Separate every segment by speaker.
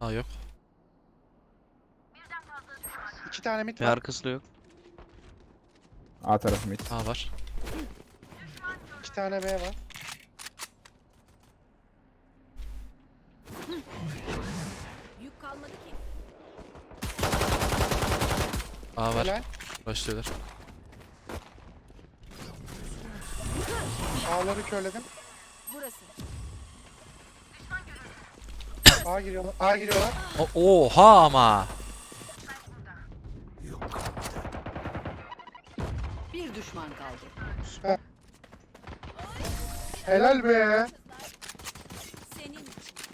Speaker 1: Aa yok.
Speaker 2: İki tane mid
Speaker 3: Ve
Speaker 2: var.
Speaker 3: arkası da yok.
Speaker 4: A tarafı mid.
Speaker 1: Aa var.
Speaker 2: İki tane B var.
Speaker 5: Yük kalmadı ki.
Speaker 1: Aa var.
Speaker 2: Helal.
Speaker 1: Başlıyorlar.
Speaker 2: A'ları körledim.
Speaker 5: Burası.
Speaker 2: A giriyorlar. A giriyorlar.
Speaker 1: Oha ama.
Speaker 5: Bir düşman kaldı.
Speaker 2: Süper. Helal be.
Speaker 5: Senin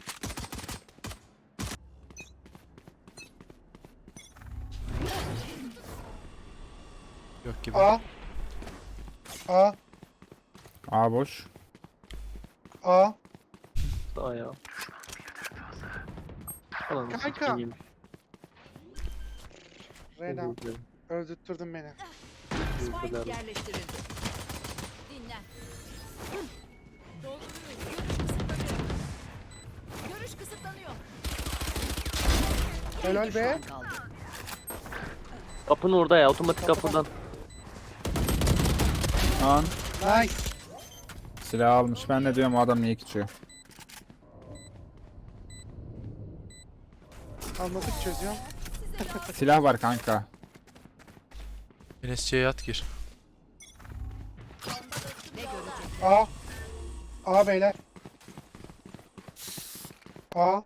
Speaker 1: Yok gibi.
Speaker 2: A. A.
Speaker 4: A boş.
Speaker 2: A.
Speaker 3: Daha ya. Falan.
Speaker 2: Kanka. Reyna. Öldürttürdün beni.
Speaker 5: spike yerleştirildi. Dinlen. Görüş kısıtlanıyor.
Speaker 2: Helal
Speaker 5: Bir
Speaker 2: be.
Speaker 5: düşman kaldı.
Speaker 3: Kapının orada ya. Otomatik kapıdan.
Speaker 4: An.
Speaker 2: Nice.
Speaker 4: Silah almış. Ben de diyorum o adam niye geçiyor.
Speaker 2: Anladık, çözüyorum.
Speaker 4: Silah var kanka.
Speaker 1: Enes'ciye yat gir.
Speaker 5: Ne görecek?
Speaker 2: A. A beyler. A.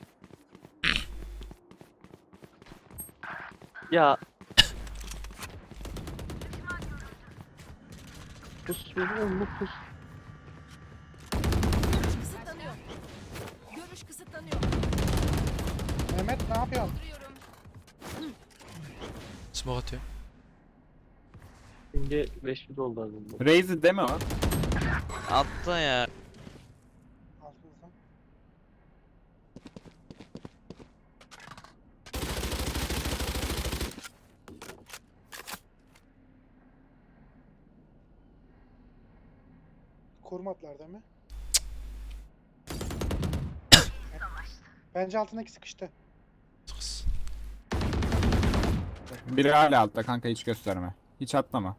Speaker 3: Ya. Pus oğlum pus.
Speaker 5: Görüş kısıtlanıyor. Görüş kısıtlanıyor.
Speaker 2: Mehmet ne yapıyorsun?
Speaker 5: Duruyorum.
Speaker 1: Smoke atıyor.
Speaker 3: Şimdi 500 oldu az önce.
Speaker 4: Raze'i deme o.
Speaker 3: Attı ya.
Speaker 2: Altınızdan. Korumadılar değil mi? Bence altındaki sıkıştı.
Speaker 1: Kız.
Speaker 4: Biri hala altta kanka, hiç gösterme. Hiç atlama.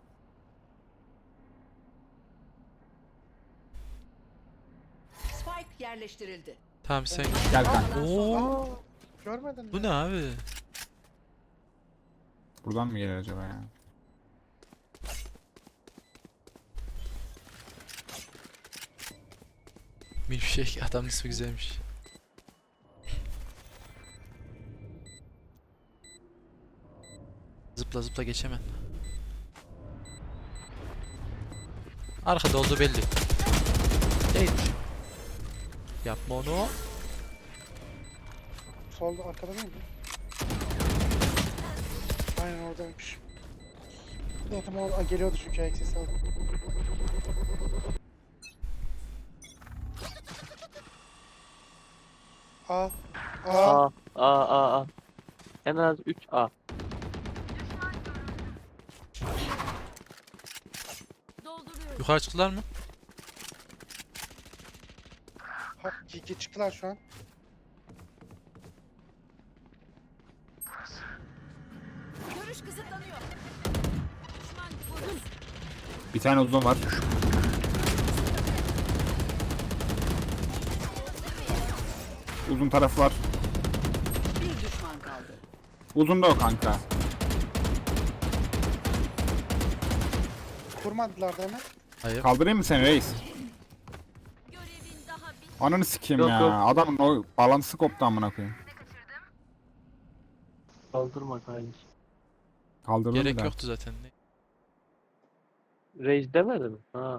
Speaker 5: Spike yerleştirildi.
Speaker 1: Tamam sen.
Speaker 4: Gel kanka.
Speaker 1: Oo.
Speaker 2: Aa, görmedin mi?
Speaker 1: Bu ne abi?
Speaker 4: Buradan mı gelir acaba ya?
Speaker 1: Milkshake adamın ismi güzelmiş. Zıpla zıpla geçemem. Arkada olduğu belli. Değil. Yapma onu.
Speaker 2: Solda, arkada değil mi? Aynen oradaymış. Zaten orada geliyordu çünkü ayak sesi aldım. A. A.
Speaker 3: A. En az 3 A.
Speaker 5: Dolduruyorum.
Speaker 1: Yukarı çıktılar mı?
Speaker 2: Ha, çıktılar şu an.
Speaker 5: Görüş kısıtlanıyor. Düşman vurun.
Speaker 4: Bir tane uzun var. Uzun taraf var.
Speaker 5: Bir düşman kaldı.
Speaker 4: Uzun da o kanka.
Speaker 2: Kurmadılar değil mi?
Speaker 1: Hayır.
Speaker 4: Kaldırayım mı seni reis?
Speaker 5: Görevin daha bit.
Speaker 4: Ananı sikeyim
Speaker 3: Yok,
Speaker 4: ya.
Speaker 3: yok.
Speaker 4: Adamın o bağlantısı koptu amına koyayım.
Speaker 3: Kaldırma kanki.
Speaker 4: Kaldırdım bir
Speaker 1: Gerek
Speaker 4: daha.
Speaker 1: yoktu zaten.
Speaker 3: Reis demedi mi? Ha.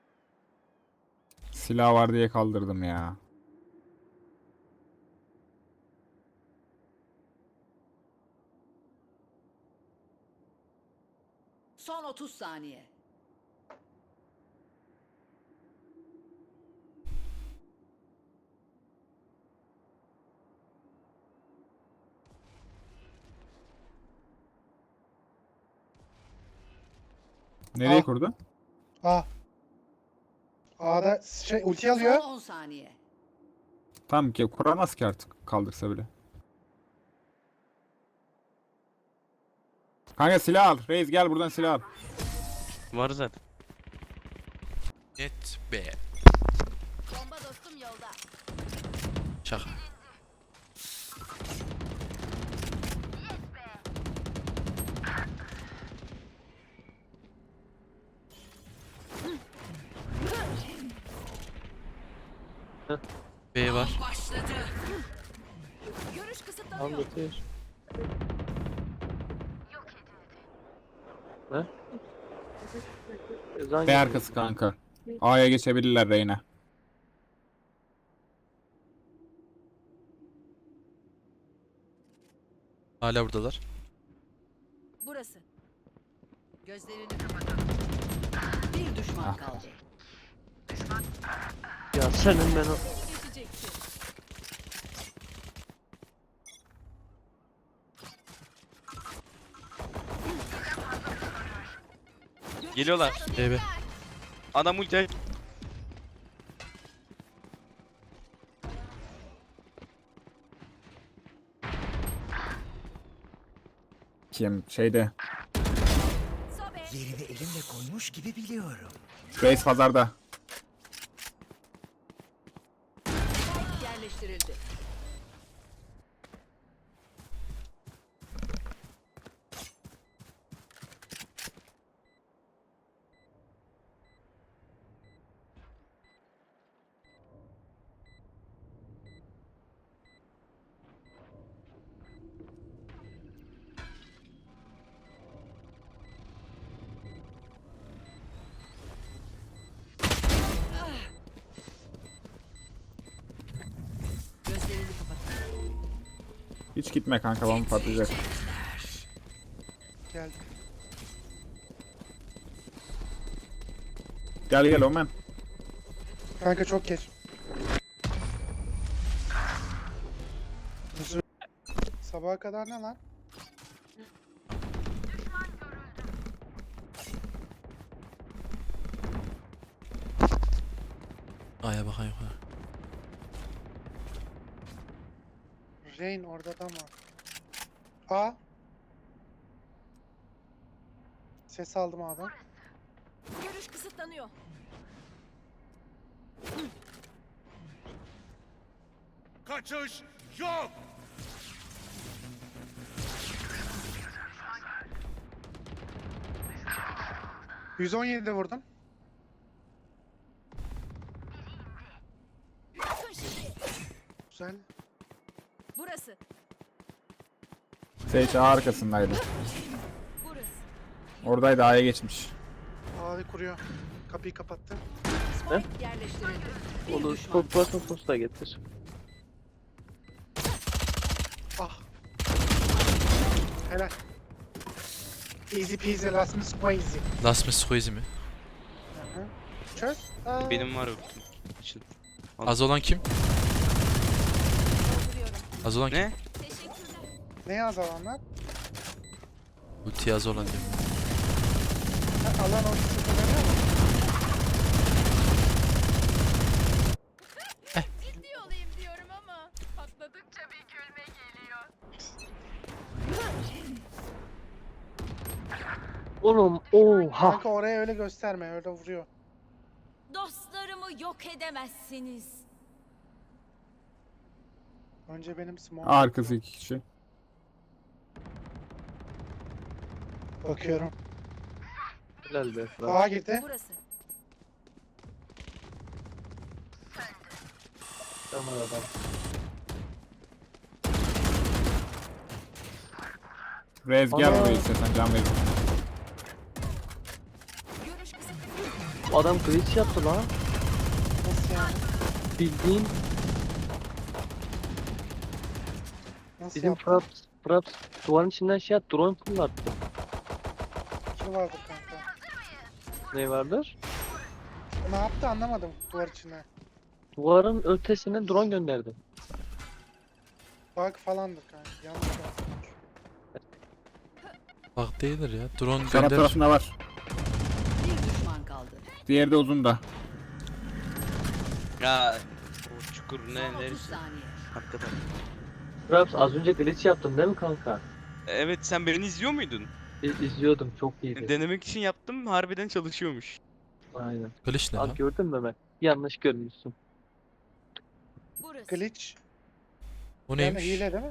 Speaker 4: Silah var diye kaldırdım ya.
Speaker 5: Son 30 saniye.
Speaker 4: Nereye
Speaker 2: Ah.
Speaker 4: kurdu?
Speaker 2: A. A'da ulti alıyor.
Speaker 5: Son 10 saniye.
Speaker 4: Tamam ki kuramaz ki artık kaldırsa bile. Kanka silah al. Reis gel buradan silah al.
Speaker 3: Var zaten.
Speaker 1: Net be.
Speaker 5: Bomba dostum yolda.
Speaker 1: Şaka. B var.
Speaker 5: Başladı. Görüş
Speaker 3: Al
Speaker 5: kısıtlanıyor.
Speaker 3: götür. Ne?
Speaker 4: B arkası kanka. A'ya geçebilirler Reyna.
Speaker 1: Hala buradalar.
Speaker 5: Burası. Gözlerini kapatın. Bir düşman kaldı.
Speaker 3: Ya senin ben o...
Speaker 5: Geçecekti.
Speaker 3: Geliyorlar.
Speaker 1: B.
Speaker 3: Adam ulti.
Speaker 4: Kim? Şeyde.
Speaker 5: Sobe.
Speaker 6: Yerini elimle koymuş gibi biliyorum.
Speaker 4: Reis pazarda.
Speaker 5: Yerleştirildi. Gözlerini kapatın.
Speaker 4: Hiç gitme kanka, bomba patlayacak.
Speaker 2: Geldi.
Speaker 4: Gel gel Omen.
Speaker 2: Kanka çok geç. Sabaha kadar ne lan?
Speaker 1: A'ya bakayım yukarı.
Speaker 2: Rain orada da mı? A. Ses aldım A'dan.
Speaker 5: Görüş kısıtlanıyor.
Speaker 6: Kaçış yok.
Speaker 2: %17'de vurdum.
Speaker 5: Bakın şimdi.
Speaker 2: Güzel.
Speaker 5: Burası.
Speaker 4: Sage A arkasındaydı.
Speaker 5: Burası.
Speaker 4: Oradaydı, A'ya geçmiş.
Speaker 2: A'yı kuruyor. Kapıyı kapattı.
Speaker 5: Spike yerleştirildi. Bir
Speaker 3: Onu
Speaker 5: düşman.
Speaker 3: sos da getir.
Speaker 2: Ah. Helal. Easy peasy last miss squeezy.
Speaker 1: Last miss squeezy mi?
Speaker 2: Hı hı. Çöz. Aa.
Speaker 3: Benim var ultim. İçin.
Speaker 1: Az olan kim?
Speaker 5: Dolduruyorum.
Speaker 1: Az olan kim?
Speaker 3: Ne?
Speaker 5: Teşekkürler.
Speaker 2: Ne yaz alanlar?
Speaker 1: Ulti az olan diyor.
Speaker 2: Ha, alan ortası kullanıyor mu?
Speaker 5: Ciddi olayım diyorum ama patladıkça bir gülme geliyor.
Speaker 3: Oğlum oha.
Speaker 2: Kanka oraya öyle gösterme, öyle vuruyor.
Speaker 5: Dostlarımı yok edemezsiniz.
Speaker 2: Önce benim smoke.
Speaker 4: A arkası 2 kişi.
Speaker 2: Bakıyorum.
Speaker 3: Helal be.
Speaker 2: A girdi.
Speaker 5: Burası.
Speaker 3: Tamam adam.
Speaker 4: Reis gel
Speaker 3: Ana.
Speaker 4: buraya istersen, can verin.
Speaker 5: Görüş kısıtlanıyor.
Speaker 3: Adam glitch yaptı lan.
Speaker 2: Nasıl yani?
Speaker 3: Bildiğin
Speaker 2: Nasıl
Speaker 3: bizim
Speaker 2: yaptın?
Speaker 3: Fraps duvarın içinden şey at, drone fırlattı.
Speaker 2: Kill vardır kanka.
Speaker 3: Ne vardır?
Speaker 2: Ne yaptı anlamadım duvar içine.
Speaker 3: Duvarın ötesinden drone gönderdi.
Speaker 2: Bug falandır kanka. Yanlış yaptım.
Speaker 1: Bak değildir ya. Drone
Speaker 4: Sana
Speaker 1: gönderir.
Speaker 4: tarafında var.
Speaker 5: Bir düşman kaldı.
Speaker 4: Diğeri de uzunda.
Speaker 3: Ya o çukur
Speaker 5: Son
Speaker 3: ne
Speaker 5: 30
Speaker 3: neresi?
Speaker 5: saniye.
Speaker 3: Hakikaten. Fraps az önce glitch yaptın değil mi kanka?
Speaker 7: Evet, sen beni izliyor muydun?
Speaker 3: İzliyordum, çok iyiydi.
Speaker 7: Denemek için yaptım, harbiden çalışıyormuş.
Speaker 3: Aynen.
Speaker 1: Glitch ne
Speaker 3: Abi
Speaker 1: lan?
Speaker 3: gördün mü Mehmet? Yanlış görmüşsün.
Speaker 5: Burası.
Speaker 2: Glitch.
Speaker 1: O
Speaker 2: Yani
Speaker 1: neymiş?
Speaker 2: hile değil mi?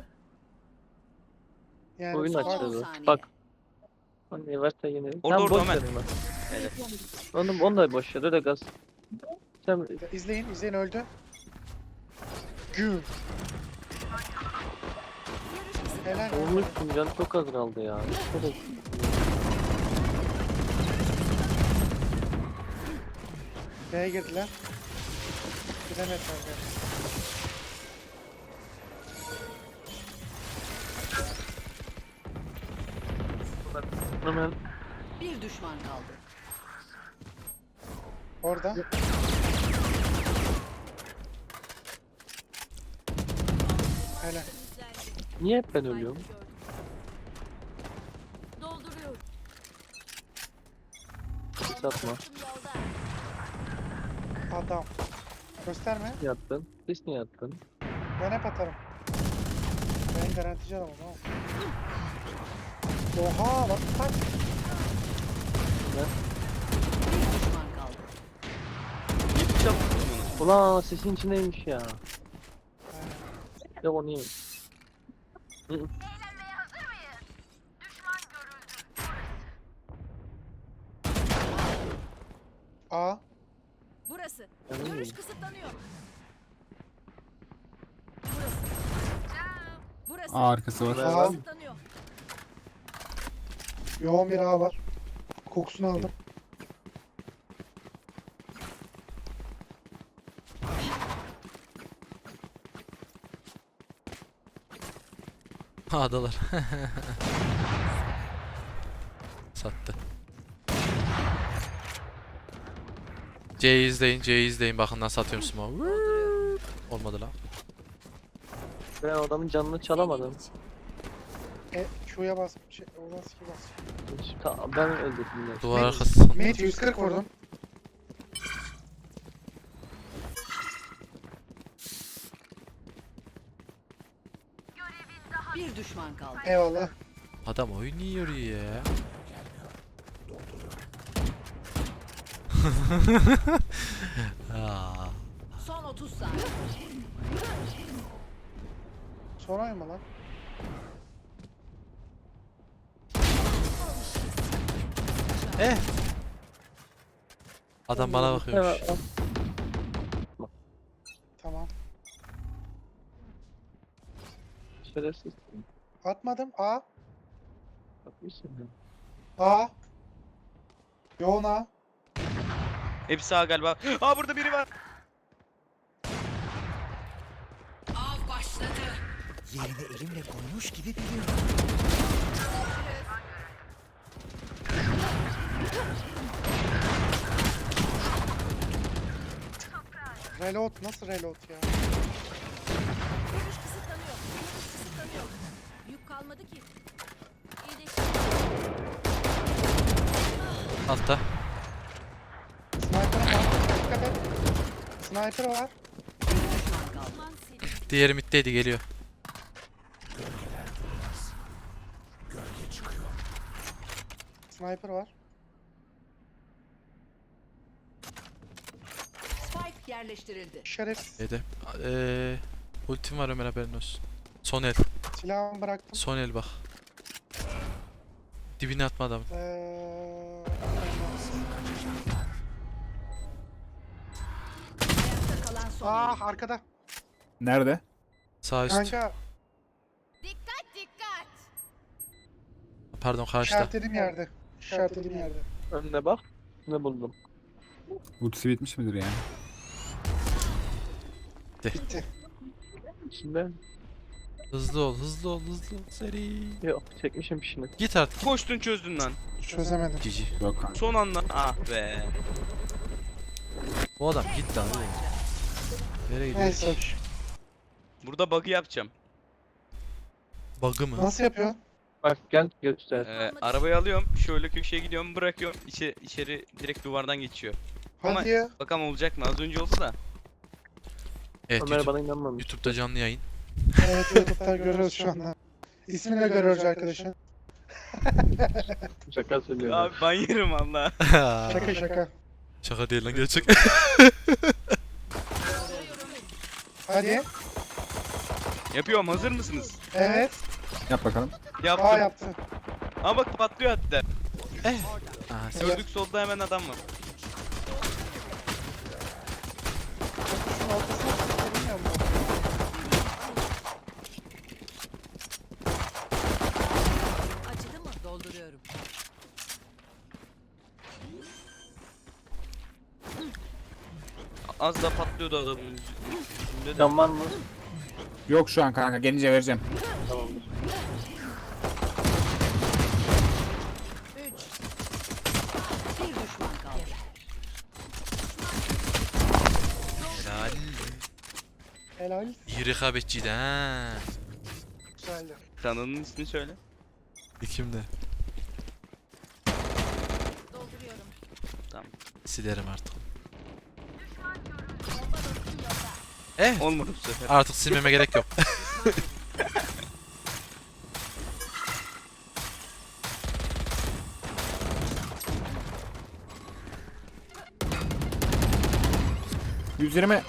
Speaker 2: Yani
Speaker 3: Oyun
Speaker 2: var.
Speaker 3: açıyordu.
Speaker 5: saniye.
Speaker 3: Bak. Hani varsa yine.
Speaker 7: Orada,
Speaker 3: Sen
Speaker 7: orada
Speaker 3: boş
Speaker 7: Ömer.
Speaker 3: ver Ömer.
Speaker 7: Evet.
Speaker 3: Onu da boş ver, öyle gaz. Sen
Speaker 2: İzleyin öldü. Güm. Helal.
Speaker 3: olmuşsun, can çok az kaldı ya. Şöyle
Speaker 2: B'ye girdiler. Giremediler.
Speaker 3: hemen
Speaker 5: Bir düşman kaldı.
Speaker 2: Orada. Helal.
Speaker 3: niye hep ben ölüyorum?
Speaker 5: Dolduruyorum.
Speaker 3: Satma.
Speaker 2: Adam. Gösterme.
Speaker 3: Yattın. Biz niye yattın?
Speaker 2: Ben hep atarım. Ben garantici adamım ama. Oha bak bak.
Speaker 5: Bir düşman kaldı.
Speaker 7: Hiç yapmadım bunu.
Speaker 3: Ulan sesin içindeymiş ya. Ya o niye?
Speaker 2: A.
Speaker 5: Burası.
Speaker 3: Yani
Speaker 5: Görüş kısıtlanıyor. Burası. Burası.
Speaker 4: A arkası var.
Speaker 3: Ver.
Speaker 2: A.
Speaker 5: Kısıtlanıyor.
Speaker 2: Yoğun bir A var. Kokusunu aldım.
Speaker 1: A'dalar. Sattı. C'yi izleyin, C'yi izleyin. Bakın nasıl atıyorum smoke. Olmadı lan.
Speaker 3: Ben adamın canını çalamadım.
Speaker 2: Q'ya bas. O bas ki bas.
Speaker 3: Ben öldürdüm ya.
Speaker 1: Duvar
Speaker 2: Mid-
Speaker 1: arkası.
Speaker 2: Mid 140 vurdum.
Speaker 5: Bir düşman kaldı.
Speaker 2: Eyvallah.
Speaker 1: Adam oynuyor ya. Aa,
Speaker 5: Son 30 saniye.
Speaker 2: Sorayım mı lan?
Speaker 1: adam bana bakıyormuş.
Speaker 3: Evet, al.
Speaker 2: Tamam.
Speaker 3: Şerefsiz.
Speaker 2: Atmadım. A.
Speaker 3: Bakmışsın ya.
Speaker 2: A. Yoğun A.
Speaker 7: Hepsi sağ galiba. Aa, burada biri var.
Speaker 5: Av başladı.
Speaker 6: Yerini elimle koymuş gibi biliyorum.
Speaker 2: Reload. Nasıl reload ya?
Speaker 5: Görüş kısıtlanıyor. Görüş kısıtlanıyor. Yük kalmadı ki. İyileşti.
Speaker 1: Altta.
Speaker 2: Sniper'ım var. Dikkat et. Sniper var.
Speaker 5: Bir düşman kaldı. Aman seni.
Speaker 1: Diğeri middeydi, geliyor.
Speaker 2: Sniper var.
Speaker 5: Spike yerleştirildi.
Speaker 2: Şerefsiz.
Speaker 1: Yedi. Ultim var Ömer, haberin olsun. Son el.
Speaker 2: Silahımı bıraktım.
Speaker 1: Son el bak. Dibine atma adamı.
Speaker 5: Ayakta kalan son.
Speaker 2: Ah arkada.
Speaker 4: Nerede?
Speaker 1: Sağ üst.
Speaker 2: Kanka
Speaker 5: Dikkat dikkat.
Speaker 1: Pardon, karşıda.
Speaker 2: işaretlediğim yerde. İşaretlediğim yerde.
Speaker 3: Önüne bak. Ne buldum?
Speaker 4: Ultisi bitmiş midir yani?
Speaker 2: Bitti.
Speaker 3: İçinde
Speaker 1: Hızlı ol, hızlı ol, hızlı ol. Seri.
Speaker 3: yok, çekmişim işini.
Speaker 1: Git artık.
Speaker 7: Koştun, çözdün lan.
Speaker 2: Çözemedim.
Speaker 1: Cici.
Speaker 4: Yok kanka.
Speaker 7: Son anda. Ah be.
Speaker 1: Bu adam git lan oğlum. Nereye gidiyor?
Speaker 2: Neyse.
Speaker 7: Burada bug'ı yapacağım.
Speaker 1: Bug'ı mı?
Speaker 2: Nasıl yapıyor?
Speaker 3: Bak gel göster.
Speaker 7: Arabayı alıyorum. Şöyle köşeye gidiyorum, bırakıyorum. İçeri direkt duvardan geçiyor. Ama-
Speaker 2: Hadi ya.
Speaker 7: Bakalım olacak mı? Az önce oldu da.
Speaker 1: Evet,
Speaker 3: Ömer
Speaker 1: YouTube,
Speaker 3: bana inanmamış.
Speaker 1: YouTube'da canlı yayın.
Speaker 2: Evet YouTube'da görüyoruz şu anda. İsmini de görüyoruz arkadaşlar.
Speaker 3: Şaka söylüyorum.
Speaker 7: Abi ben yerim valla.
Speaker 2: Şaka şaka.
Speaker 1: Şaka değil lan gerçek.
Speaker 2: Hadi.
Speaker 7: Yapıyorum, hazır mısınız?
Speaker 2: Evet.
Speaker 4: Yap bakalım.
Speaker 7: Yaptım.
Speaker 2: Aa yaptı.
Speaker 7: Ama bak patlıyor hatta.
Speaker 1: Aha,
Speaker 7: Gördük solda hemen adam var.
Speaker 2: Şunun ortasına bilmiyorum.
Speaker 5: Acıdı mı? Dolduruyorum.
Speaker 7: Az da patlıyordu adamın üstünde de.
Speaker 3: Can var mı?
Speaker 4: Yok şu an kanka. Gelince vereceğim.
Speaker 3: Tamamdır.
Speaker 5: 3. Bir düşman kaldı.
Speaker 1: Helal.
Speaker 2: Helal.
Speaker 1: İyi rekabetçiydi ha.
Speaker 2: Güzeldi.
Speaker 7: Kanalının ismini söyle.
Speaker 1: Kimde?
Speaker 5: Dolduruyorum.
Speaker 1: Silerim artık.
Speaker 7: Olmadı bu sefer.
Speaker 1: Artık silmeme gerek yok.
Speaker 4: %20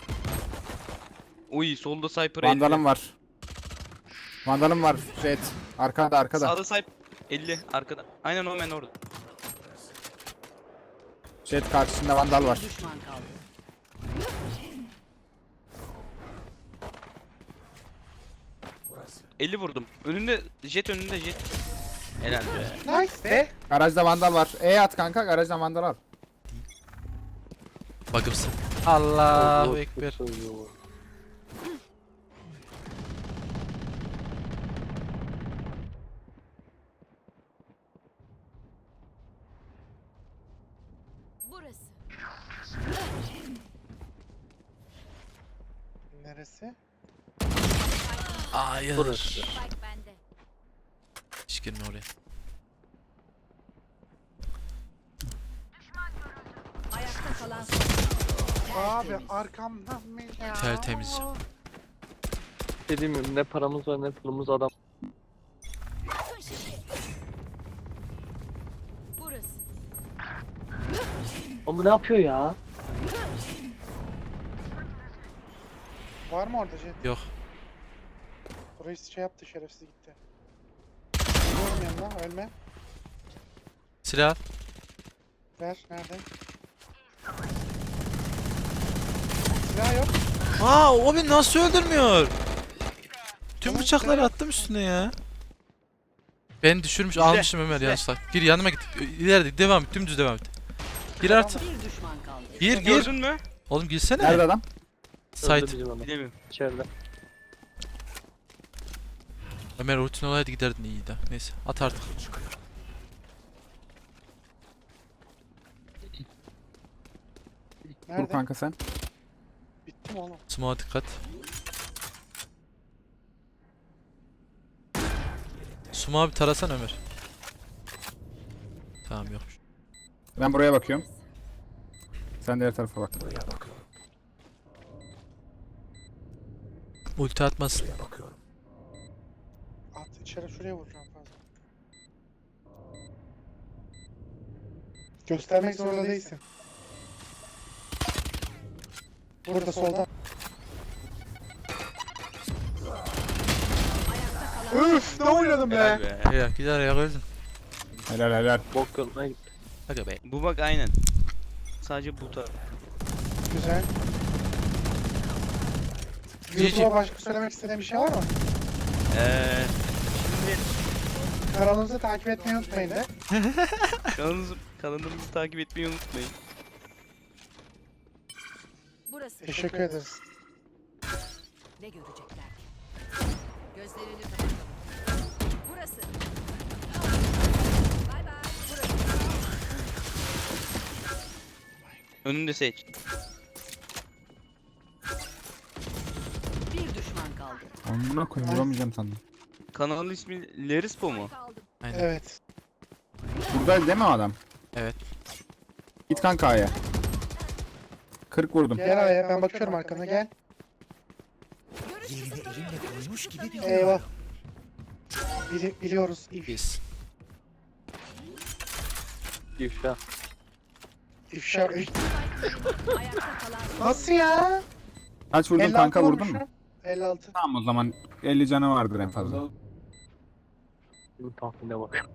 Speaker 7: Uy solda Cypher
Speaker 4: vandalım var. Vandalım var. Jet. Arkada arkada.
Speaker 7: Sağda Cypher 50 arkada. Aynen o men orada.
Speaker 4: Jet karşısında vandal var.
Speaker 5: Bir düşman kaldı.
Speaker 7: Burası. 50 vurdum. Önünde jet önünde jet. Helal be.
Speaker 2: Nice be.
Speaker 4: Garajda vandal var. At kanka garajdan vandal al.
Speaker 1: Bakımsın. Allahu Ekber.
Speaker 3: Söylüyor.
Speaker 5: Burası.
Speaker 2: Neresi?
Speaker 1: Hayır.
Speaker 3: Burası.
Speaker 5: Spike bende.
Speaker 1: Hiç girme oraya.
Speaker 5: Ayakta kalan
Speaker 2: Abi
Speaker 5: tertemiz.
Speaker 2: arkamdan mı ya?
Speaker 1: Tertemiz.
Speaker 3: Dediğim gibi ne paramız var ne pulumuz adam.
Speaker 5: Yakın şişe. Burası.
Speaker 3: Oğlum bu ne yapıyor ya?
Speaker 2: Var mı orada jet?
Speaker 1: Yok.
Speaker 2: Burayı şey yaptı şerefsiz gitti. Geliyorum yanına ölme.
Speaker 1: Silah al.
Speaker 2: Ver nerede? Silah yok.
Speaker 1: Aa o beni nasıl öldürmüyor? Tüm bıçakları attım üstüne ya. Beni düşürmüş almışım Ömer yanlışlıkla. Gir yanıma git. İleride devam et. Dümdüz devam et. Gir artık.
Speaker 5: Bir düşman kaldı.
Speaker 1: Gir gir.
Speaker 7: Gördün mü?
Speaker 1: Oğlum girsene.
Speaker 4: Nerede adam?
Speaker 1: Site.
Speaker 3: Öldü bizim adam.
Speaker 7: Bilemiyorum.
Speaker 3: İçeride.
Speaker 1: Ömer rutin olaydı giderdin iyiydi. Neyse at artık.
Speaker 4: Dur
Speaker 2: Nerede?
Speaker 4: kanka sen.
Speaker 2: Bitti mi oğlum?
Speaker 1: Smoke'a dikkat. Smoke'a bir tarasan Ömer. Tamam yokmuş.
Speaker 4: Ben buraya bakıyorum. Sen diğer tarafa bak.
Speaker 1: Ulti atmasın.
Speaker 2: At içeri şuraya vuracağım fazla. Göstermek zorunda değilsin. Burada solda. Üf ne oynadım
Speaker 7: Helal
Speaker 2: be.
Speaker 7: be.
Speaker 1: Ya gider ayak öldün.
Speaker 4: Helal helal.
Speaker 3: Bok yoluna gitti.
Speaker 1: Hadi be.
Speaker 7: Bu bak aynen. Sadece bu taraf.
Speaker 2: Güzel.
Speaker 1: GG.
Speaker 2: YouTube'a başka söylemek istediğin bir şey var mı?
Speaker 7: Şimdi
Speaker 2: Kanalımızı takip etmeyi unutmayın de.
Speaker 7: kanalımızı takip etmeyi unutmayın.
Speaker 5: Burası.
Speaker 2: Teşekkür ederiz.
Speaker 5: Ne görecekler ki? Gözlerini kapatalım. Burası. Bay bay. Burası.
Speaker 7: Önünde seç.
Speaker 5: Bir düşman kaldı.
Speaker 4: Amına koyayım vuramayacağım sandım.
Speaker 7: Kanalın ismi Lerispo mu?
Speaker 5: Kaldım.
Speaker 1: Aynen.
Speaker 2: Evet.
Speaker 4: Buradaydı değil mi o adam?
Speaker 1: Evet.
Speaker 4: Git kanka A'ya. 40 vurdum.
Speaker 2: Gel Aya ben bakıyorum arkana gel.
Speaker 6: Yerini elimle koymuş gibi biliyorum.
Speaker 2: Eyvah. Biliyoruz.
Speaker 1: Biz.
Speaker 3: İfşa.
Speaker 2: İfşa.
Speaker 5: Ayakta kalan son
Speaker 2: Nasıl ya?
Speaker 4: Kaç vurdun
Speaker 2: 56
Speaker 4: kanka, vurdun
Speaker 2: vurmuşum.
Speaker 4: mu?
Speaker 2: 56.
Speaker 4: Tamam, o zaman 50 canı vardır en fazla.
Speaker 3: Bu tahmine bak.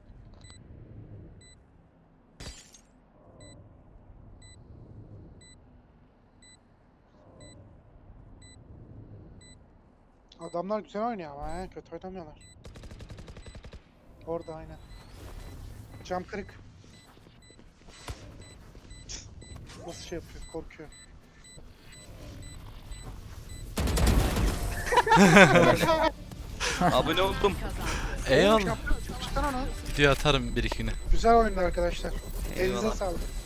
Speaker 2: Adamlar güzel oynuyor ama he. Kötü oynamıyorlar. Orada aynen. Cam kırık. Nasıl şey yapıyor? Korkuyor.
Speaker 7: Abone oldum.
Speaker 1: Eyvallah.
Speaker 2: Çıkar onu.
Speaker 1: Video atarım bir iki güne.
Speaker 2: Güzel oyundu arkadaşlar. Elinize
Speaker 7: Eyvallah.
Speaker 2: sağlık.